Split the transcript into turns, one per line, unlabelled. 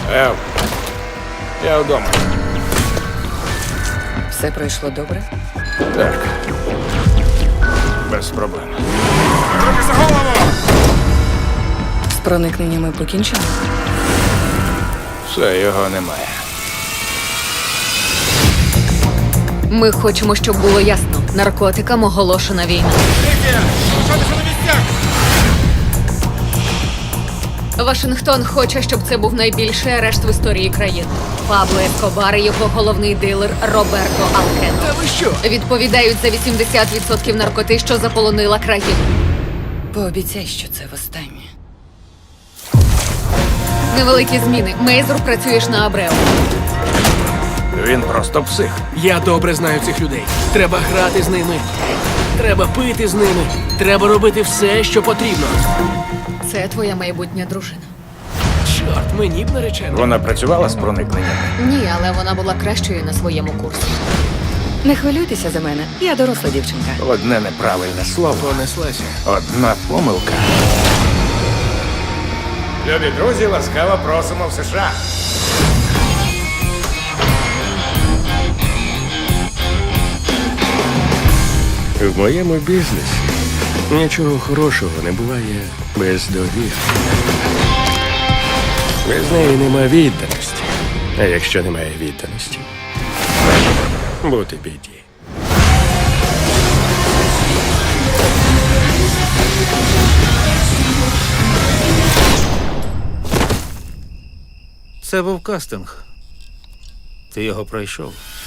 Я вдома.
Все пройшло добре?
Так. Без проблем. Руки за голову!
З проникненнями покінчено?
Все, його немає.
Ми хочемо, щоб було ясно. Наркотикам оголошена війна. Вашингтон хоче, щоб це був найбільший арешт в історії країни. Пабло Ескобар і його головний дилер Роберто Алкено.
Та ви що?
Відповідають за 80% наркоти, що заполонила країну.
Пообіцяй, що це востаннє.
Невеликі зміни. Мейзур, працюєш на Абрео.
Він просто псих.
Я добре знаю цих людей. Треба грати з ними. Треба пити з ними. Треба робити все, що потрібно.
Це твоя майбутня дружина.
Чорт, мені б наречено.
Вона працювала з проникненнями.
Ні, але вона була кращою на своєму курсі.
Не хвилюйтеся за мене, я доросла дівчинка.
Одне неправильне слово.
Понеслася.
Одна помилка. Любі друзі, ласкаво просимо в США.
В моєму бізнесі нічого хорошого не буває без довіри. Без неї нема відданості. А якщо немає відданості, бути біді.
Це був кастинг. Ти його пройшов.